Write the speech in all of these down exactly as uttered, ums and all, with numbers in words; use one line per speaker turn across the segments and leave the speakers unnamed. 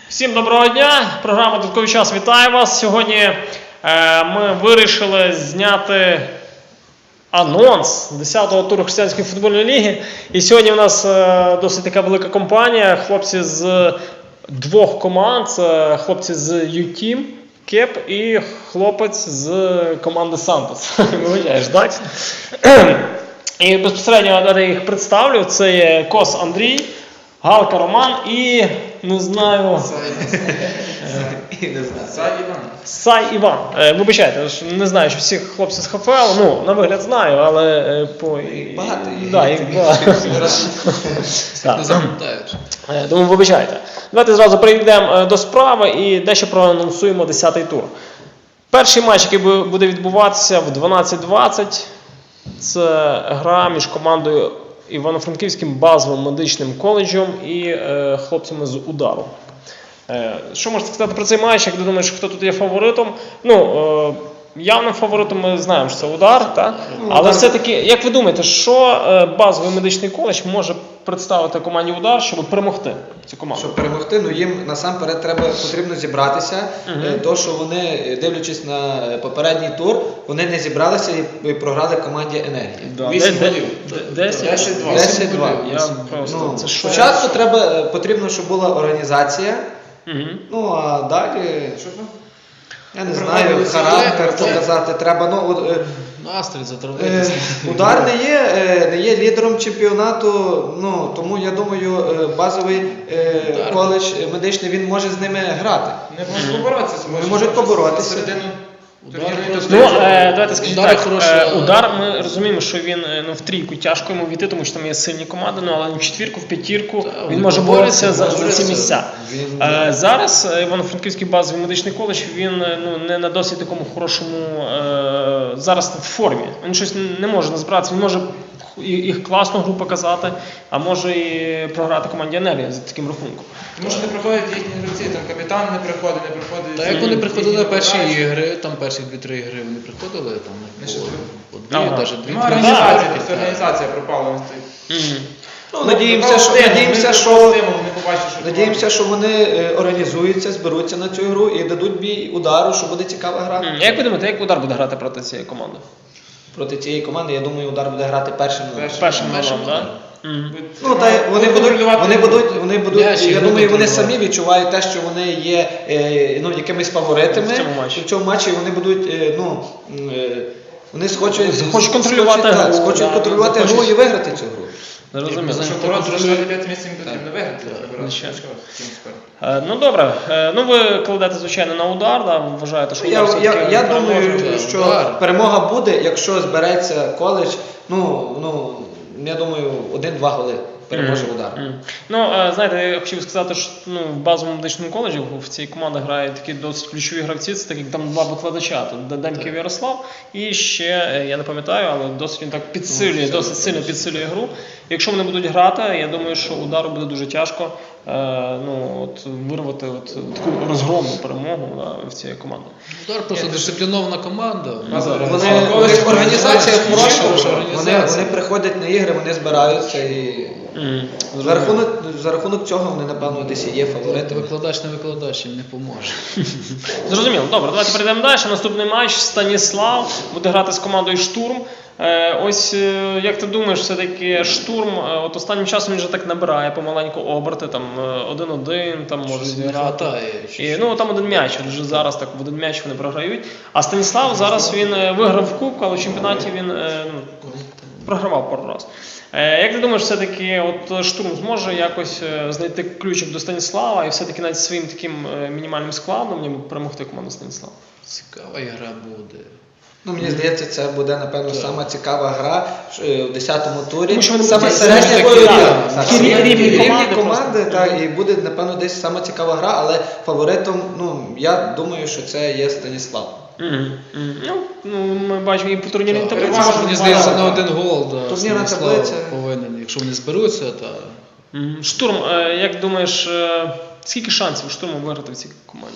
Всім доброго дня! Програма «Додатковий час» вітає вас. Сьогодні е, ми вирішили зняти анонс десятого туру Християнської футбольної ліги. І сьогодні у нас е, досить така велика компанія. Хлопці з двох команд. Це хлопці з ю-Team, Кеп і хлопець з команди Сантос. Виявляєш, так? І безпосередньо я їх представлю. Це є Кос Андрій, Галка Роман і, не знаю...
Сай Іван.
Сай Іван. Е, вибачайте, не знаю, що всіх хлопців з ХФЛ, ну, на вигляд знаю, але е, по...
Багато їх.
Да, їх багато.
Не запам'ятаєш.
Е, Тому вибачайте. Давайте зразу перейдемо до справи і дещо проанонсуємо десятий тур. Перший матч, який буде відбуватися в дванадцять двадцять, це гра між командою Івано-Франківським базовим медичним коледжем і е, хлопцями з Удару. Е, що можете сказати про цей матч? Як ти думаєш, хто тут є фаворитом? Ну, е, явним фаворитом ми знаємо, що це Удар, так? Але все-таки, як ви думаєте, що е, базовий медичний коледж може представити команді Удар, щоб перемогти цю команду?
Щоб перемогти, ну їм насамперед треба, потрібно зібратися. Uh-huh. То, що вони, дивлячись на попередній тур, вони не зібралися і програли команді Енергії.
Да.
вісім
Де,
голів.
десять два.
десять два.
Я просто...
Ну,
це що?
спочатку треба, потрібно, щоб була організація.
Uh-huh.
Ну, а далі, що там? Я не знаю,
Приходили
характер
сюди,
показати треба. Ну, от, е,
Настрій
Е,
затравитися.
Удар не є, е, не є лідером чемпіонату, ну, тому я думаю, е, базовий е,
Удар.
коледж медичний, він може з ними грати.
Не можуть поборотися.
Вони можуть поборотися.
Середину
Удар
турнірної
просто-
Ну,
таблиці.
е, давайте скажіть
Удар
так,
хороший,
е,
але-
Удар, ми розуміємо, що він е, ну, в трійку тяжко йому війти, тому що там є сильні команди, ну, але в четвірку, в п'ятірку
Та,
він
вони
може
борються,
боротися за, за ці
борються.
місця.
Він-
Е, зараз е, Івано-Франківський базовий медичний коледж, він е, ну, не на досить такому хорошому е, зараз в формі. Він щось не може назбиратися, він може і- їх класну гру показати, а може і програти команді Енергія за таким рахунком.
Тому що не приходять їхні гравці, там капітан не приходить, не приходить.
Та як вони приходили на
їхні
перші
гравці.
ігри, там перші дві-три ігри, вони приходили там
Ми ще
по,
звикли.
по дві,
Ага.
навіть дві.
Нема
три
організації,
ігри.
тобто організація пропала. ось цей.
Мгм.
Ну, надіємося, що, надіємося, що, надіємося, що вони е, організуються, зберуться на цю гру і дадуть бій Удару, що буде цікава гра.
М, Як ви думаєте, як Удар буде грати проти цієї команди?
Проти цієї команди, я думаю, Удар буде грати першим.
Першим.
Першим
Першим
номером, так?
номером.
Мгм.
Ну, та й вони будуть, вони будуть, вони будуть,
М'яч,
я
ігру
думаю, вони
контролювати.
самі відчувають те, що вони є е, ну, якимись фаворитами
В цьому матчі.
в цьому матчі, і вони будуть, е, ну, м, е, вони схочуть,
Хочуть контролювати
схочуть, так,
гру,
схочуть
да,
контролювати
захочуть.
гру і виграти цю гру.
Зрозуміло.
Як
Щоб
Ти
боротися за
контролюєш-
дев'яте місце, їм потрібно виграти. вибирати.
звичайно.
Що, ким спер?
Е, Ну добре, Е, ну ви кладете, звичайно, на Удар, да? Вважаєте, що
Я,
Удар
я,
все-таки
я
переможе?
думаю,
так,
що
Удар.
перемога буде, якщо збереться коледж, ну, ну, я думаю, один-два голи переможе Удар.
Мгм. Ну, е, знаєте, я хотів сказати, що ну, в базовому медичному коледжі в цій команді грають такі досить ключові гравці, це так як там два викладача, тут Демків Ярослав і ще, е, я не пам'ятаю, але досить він так підсилює, досить сильно підсилює гру. Якщо вони будуть грати, я думаю, що Удару буде дуже тяжко е, ну, от, вирвати от, таку розгромну перемогу да, в цієї команди.
Удар просто дисциплінована команда.
Базова
Вони,
організація.
у них організація
Організація,
хороша,
хороша
вони,
організація.
вони приходять на ігри, вони збираються і
Мгм.
за рахунок, за рахунок цього вони, напевно, десь і є фаворитами.
Викладач не викладач їм не поможе.
Зрозуміло. Добре, давайте перейдемо далі. Наступний матч Станіслав буде грати з командою Штурм. Е, ось е, як ти думаєш, все-таки Штурм е, от останнім часом він вже так набирає помаленьку оберти, там е, один-один, там може
Щось не
зіграти.
хватає.
І, ну там один м'яч, от вже зараз так в один м'яч вони програють. А Станіслав зараз він е, виграв в кубку, але в чемпіонаті він е, ну, програвав пару раз. Е, як ти думаєш, все-таки от Штурм зможе якось е, знайти ключик до Станіслава і все-таки навіть своїм таким е, мінімальним складом ніби перемогти команду Станіслава?
Цікава гра буде.
Ну, мені здається, це буде, напевно, сама цікава гра е, в десятому турі.
Тому що вони
Саме
будуть
середня
такі,
бойова.
так,
Так,
такі
рівні-
рівні
рівні
команди
команди,
просто.
так, і буде, напевно, десь сама цікава гра, але фаворитом, ну, я думаю, що це є Станіслав.
Мгм, мгм. Ну, ну, ми бачимо і по турнірній
Так,
таблиці.
перевага,
Мені
можна
здається,
багато.
на один гол, да,
Турнірна
Станіслав
таблиця.
повинен. Якщо вони зберуться, то
Мгм. Штурм, е, як думаєш, е, скільки шансів Штурму виграти в цій команді?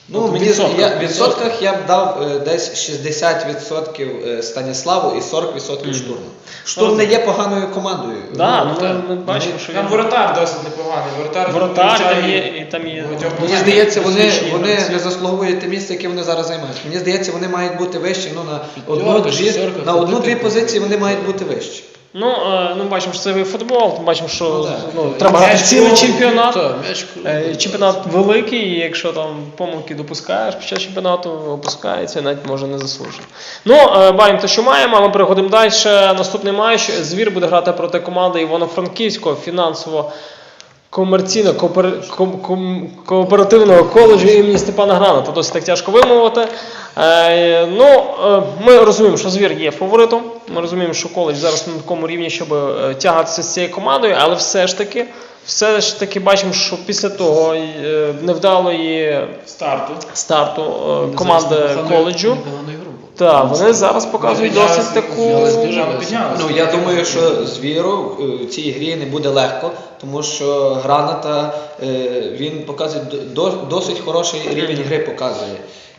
Ну,
От в
мені,
відсотках.
я, в відсотках я б дав е, десь шістдесят відсотків е, Станіславу і сорок відсотків
Мгм.
Штурму. Штурм не є поганою командою.
Да,
Ну,
ну,
так.
ми, ми бачимо, що
Там
він
воротар досить непоганий. Воротар,
воротар, там
включає
є, і там є.
багатьох
Мені
моментів.
здається, вони,
Фізичні
вони
гравці.
не заслуговують те місце, яке вони зараз займають. Мені здається, вони мають бути вищі. Ну, на
П'ятерка,
одну-дві
шістерка,
на одну-дві
ходити.
позиції вони мають бути вищі.
Ну, е, ну, бачимо, що це футбол, бачимо, що
Ну, так.
ну, треба
М'яч
грати цілий
крутий,
чемпіонат.
та, м'яч
Е,
крутий.
Чемпіонат великий, і якщо там помилки допускаєш під час чемпіонату, опускається, навіть може не заслужено. Ну, е, маємо те, що маємо, а ми переходимо далі. Наступний матч. Звір буде грати проти команди Івано-Франківського фінансово комерційно кооперативного коледжу імені Степана Граната. Досить так тяжко вимовити. Е, ну, е, ми розуміємо, що Звір є фаворитом. Ми розуміємо, що коледж зараз на такому рівні, щоб е, тягатися з цією командою, але все ж таки, все ж таки бачимо, що після того е, невдалої
Старту.
старту е,
Вони
команди
зараз непогану-
коледжу,
непогану ігру були.
так, вони зараз показують
Піднялися,
досить таку.
піднялися дуже
Там
високо.
піднялися.
Ну, я думаю, що Звіру е, в цій грі не буде легко, тому що Граната, е, він показує до- досить хороший рівень гри показує.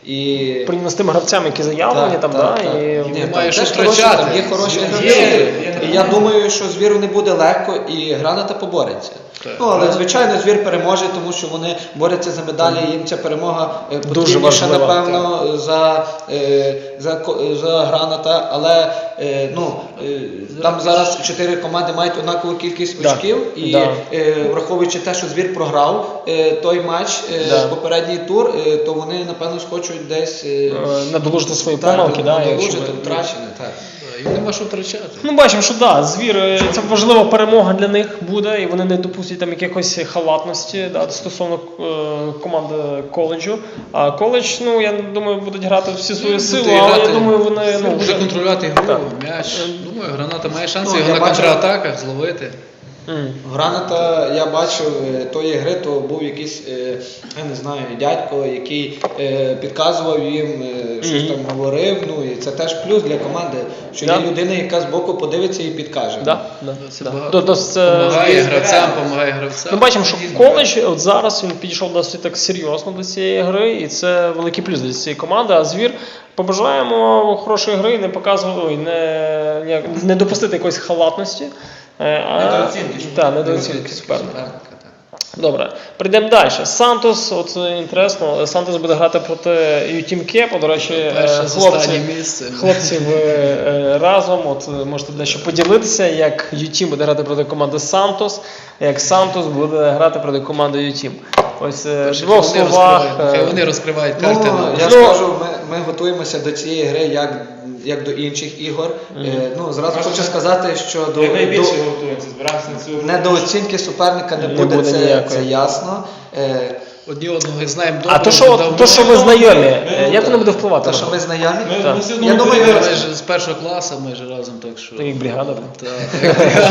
І
Порівняно з тими гравцями, які заявлені, там, да, і
Ні,
Немає
там
що
теж хороші,
втрачати.
там є хороші
Звір
гравці.
є,
І
є.
я думаю, що Звіру не буде легко і Граната побореться.
Так.
Ну, але звичайно, Звір переможе, тому що вони борються за медалі, їм ця перемога е,
Дуже
потрібніша,
важлива,
напевно, за, е, за, ко- за Граната. Але е, ну, е, там зараз чотири команди мають однакову кількість
Да.
очків. І
Да.
е, враховуючи те, що Звір програв е, той матч, е,
Да.
попередній тур, е, то вони, напевно, схочуть десь е,
е, надолужити свої
так,
помилки. Да, якщо
надолужити
ми-
втрачене. Так.
Да, Їм нема що втрачати.
Ну, бачимо, що да, Звір, е, це важлива перемога для них буде, і вони не допустять там якихось халатності да, стосовно е, команди коледжу. А коледж, ну, я думаю, будуть грати всі свої
Буде
сили, але я
грати.
думаю, вони
Звір
ну,
буде
вже...
контролювати ігру,
Так.
м'яч. Думаю, Граната має шанси
Ну,
його
я
на
бачив-
контратаках зловити.
М.
Граната, я бачив е, тої гри, то був якийсь, е, я не знаю, дядько, який е, підказував їм, е, щось
Мгм.
там говорив. Ну і це теж плюс для команди, що
Да.
є людина, яка збоку подивиться і підкаже.
Да, да,
Це
да.
багато.
То- то це-
Помагає
Звір
гравцям,
збирає.
допомагає гравцям.
Ми бачимо, що коледж от зараз він підійшов досить так серйозно до цієї гри, і це великий плюс для цієї команди. А Звір побажаємо хорошої гри, не показувати, ой, не, ніяк- не допустити якоїсь халатності. е, а-
Недооцінки.
Так, недооцінки суперника.
Суперника, так.
Добре, прийдемо далі. Сантос, от е, інтересно, Сантос буде грати проти Ютім Кепа. До речі, е,
Перше з
хлопці,
останнє місце.
хлопці ви е, разом. От е, можете дещо поділитися, як Ютім буде грати проти команди Сантос, як Сантос буде грати проти команди Ютім. Ось е, в
Перше,
двох
хай вони
словах.
розкривають-
е,
Хай вони розкривають
Ну,
карти.
я
Ну,
скажу, ми, ми готуємося до цієї гри як, як до інших ігор. Е, ну, зразу
Можна-
хочу сказати, що до,
Як найбільше
до,
готуємося, збираємося на цю гру.
недооцінки суперника не
Не
буде,
буде
це,
ніякої.
це ясно. Е,
Одні одного знаємо добре.
А то, що,
давно.
то, що ви знайомі, е, як воно буде впливати?
те,
на
що
вас?
ми знайомі.
Ми,
Так.
ми все одно
Я думаю,
готуємо.
Ми ж з першого класу, ми ж разом, так що.
Так як бригада, так?
Так, як бригада.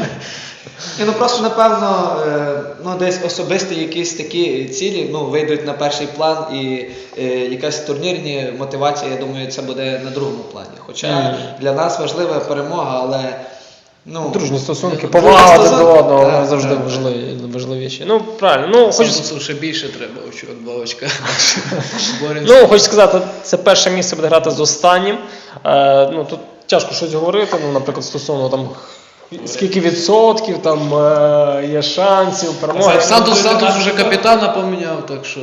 Ні, ну просто напевно, е, ну десь особисті якісь такі цілі ну, вийдуть на перший план і е, якась турнірні мотивація, я думаю, це буде на другому плані. Хоча
Мгм.
для нас важлива перемога, але ну,
Дружні стосунки,
Дружні
повага один
стосунки,
до одного
так,
завжди
так.
важливі, важливіші. Ну, правильно. Ну, хочу,
Сантосу ще більше треба, очок, два очка. Боремося.
ну, хочу сказати, це перше місце буде грати з останнім. Е, ну, тут тяжко щось говорити, ну, наприклад, стосовно там скільки відсотків там е, є шансів, перемоги.
Сантос, Сантос вже капітана поміняв, так що.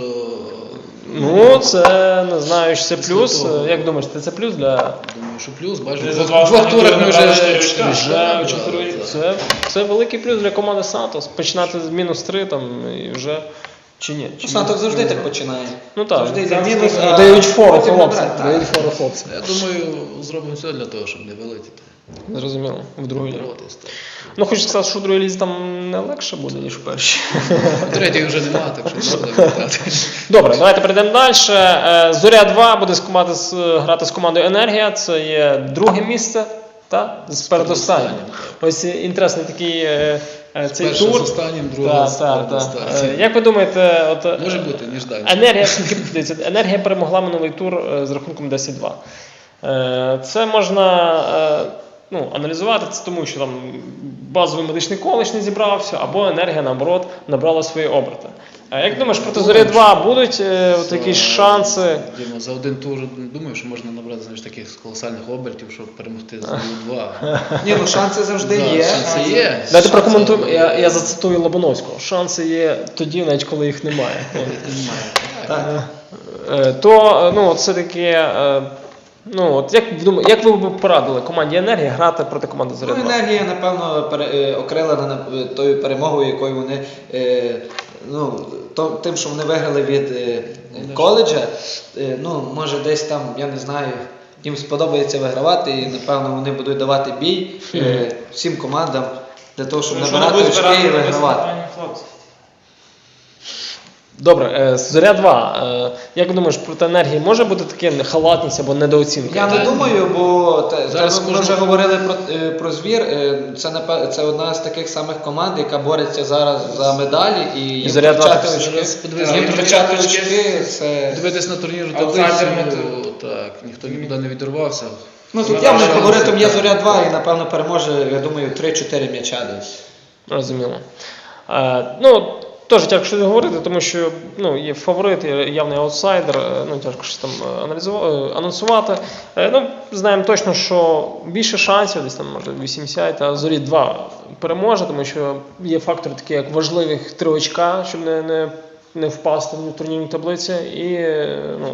Ну, це не знаю, чи це плюс.
Святого.
Як думаєш, це, це плюс для
Думаю, що плюс, бачиш,
Вже
в
за
двох-
два
в двох
останні
турах
тури
ми
набрали
вже
чотири очка.
вже
Да,
чотири.
да.
Це, це великий плюс для команди Сантос. Починати з мінус три там і вже чи ні? Чи
ну, Сантос
ні?
завжди так починає.
Ну так.
Завжди йде
Завжди
мінус,
так.
а
Дають фору
потім
хлопцям.
набирає. Так.
Дають фору хлопцям.
Я думаю, зробимо все для того, щоб не вилетіти.
Зрозуміло. В другій лізі.
Боротись, так.
Ну, хочу сказати, що в другій лізі там не легше буде, ніж в першій.
В третій вже немає, так що не буде вилітати.
Добре, давайте перейдемо далі. Е, Зоря два буде з команди, з- грати з командою Енергія. Це є друге місце. Та? З передостаннім. Ось інтересний такий е, е, цей
Перше
тур.
з останнім, друге з
Так, так, так.
передостаннім.
Е, Як ви думаєте, от, е,
Може бути, ніж далі.
Енергія, дивіться, Енергія перемогла минулий тур е, з рахунком десять два. Е, Це можна е, ну, аналізувати, це тому що там базовий медичний коледж не зібрався, або Енергія, наоборот, набрала свої оберти. А як думаєш, проти Зоря два будуть е, от якісь шанси?
Діма, за один тур думаю, що можна набрати знаєш, таких колосальних обертів, щоб перемогти за два.
Ні, ну шанси завжди
Да,
є.
шанси є.
Давайте
Шанси
прокоментуємо,
є.
я, я зацитую Лобановського. Шанси є тоді, навіть коли їх немає.
Немає.
Так.
Е, То, е, ну, от все-таки, е, ну, от як, ви думаєте, як ви б порадили команді «Енергія» грати проти команди «Зоря
Ну,
два»?
енергія, напевно, пере- е, окрилена на- е, тою перемогою, якою вони, е, ну, то, тим, що вони виграли від е, коледжа, е, ну, може десь там, я не знаю, їм сподобається вигравати, і, напевно, вони будуть давати бій е, всім командам для того, щоб
Тому що
набирати
вони будуть
очки і
збирати на
вигравати.
високування хлопців.
Добре, е, «Зоря два», е, як думаєш, проти «Енергії» може бути таке халатність або недооцінка?
Я не думаю, бо те,
Зараз
те, ми
кожного-
вже говорили про, е, про звір. е, Це напе- це одна з таких самих команд, яка бореться зараз за медалі, і їм
«Зоря два»
втрачати
так
очки.
зараз подивись,
Їм
їм
втрачати
втрачати
очки. Це
Дивитись на турнірну
Аутсайдер
таблицю,
мотив.
так, ніхто нікуди не відірвався.
ну тут
Ну,
явним
шанси,
фаворитом є
так.
Зоря два, і напевно переможе, я думаю, три-чотири м'яча десь.
Розуміло. Е, ну, теж тяжко щось говорити, тому що ну, є фаворит, є явний аутсайдер, е, ну, тяжко щось там е, аналізувати, анонсувати. Е, ну, знаємо точно, що більше шансів, десь там може вісімдесят, а «Зорі два» переможе, тому що є фактори такі, як важливих три очка, щоб не, не, не впасти в турнірній таблиці, і е, ну,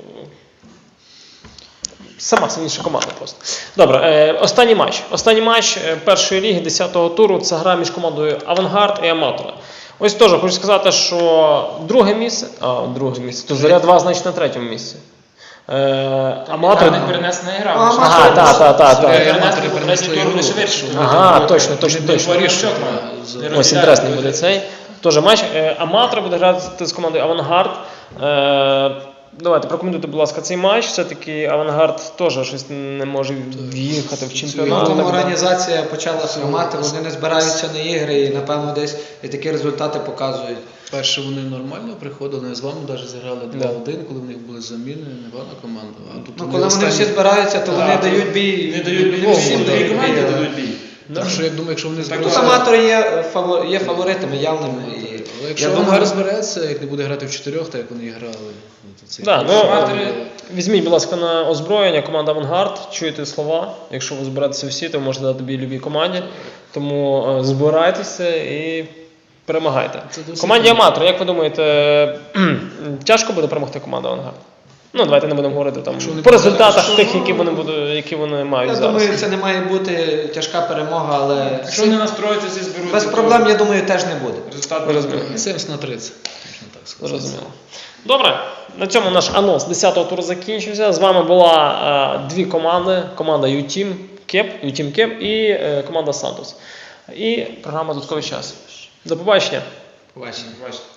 сама сильніша команда просто. Добре, е, останній матч. Останній матч е, першої ліги десятого туру – це гра між командою «Авангард» і «Аматори». Ось теж хочу сказати, що друге місце, а, друге місце, то «Зоря два» значить на третьому місці. Е, «Аматори».
Там не перенесена гра.
А,
лише.
Ага, так, так, так.
Зоря
Так.
і «Аматори»
Перенесли
перенесли
третій тур,
ігру,
лише вирішили.
щоб
Ага,
вони-
точно, точно,
вони
точно.
вирішують,
Чок,
а,
за-
за-
Не
Ось
розділяють
інтересний буде
позиції.
цей. Теж матч. Е, «Аматори» буде грати з командою «Авангард». Е, Давайте прокоментуйте, будь ласка, цей матч. Все-таки «Авангард» теж щось не може в'їхати в
Ну,
чемпіонат.
тому організація почала хромати, вони не збираються на ігри і, напевно, десь і такі результати показують.
Перше вони нормально приходили, вони з вами навіть зіграли
Да.
два-один, коли в них були заміни, непогана команда. А тут
Ну,
вони
коли вони
останні-
всі збираються, то вони
Так,
дають бій.
Не дають
всім
любому, всім
дають
дві команді
бій.
дадуть бій.
Так що я думаю, якщо вони
Тут
зберуться...
аматори є, е, фаво- є фаворитами явними. І,
Але якщо
я
Авангард
думаю,
збереться, як не буде грати в чотирьох, так як вони і грали. то це-
Да, ну,
Аматори-
візьміть, будь ласка, на озброєння команда «Авангард», чуєте слова. Якщо ви зберетеся всі, то ви можете дати бій любій команді. Тому е, збирайтеся і перемагайте.
Це досить
Команді
круто.
«Аматор», як ви думаєте, тяжко буде перемогти команда «Авангард»? Ну, давайте не будемо говорити там
Якщо вони
по
будуть-
результатах
якщо-
тих, які вони будуть, які вони мають
я
зараз.
думаю, це не має бути тяжка перемога, але
Якщо вони настроються, всі зберуться.
без
то
проблем, я думаю, теж не буде.
Результат
Ви
буде.
розумієте.
сімдесят на тридцять, можна так сказати.
Зрозуміло. Добре, на цьому наш анонс десятого туру закінчився. З вами була е, дві команди. Команда «Ю-Тім Кеп», «Ю-Тім Кеп і е, команда «Сантос». І програма «Додатковий час». До побачення.
Побачимо.
Бачите.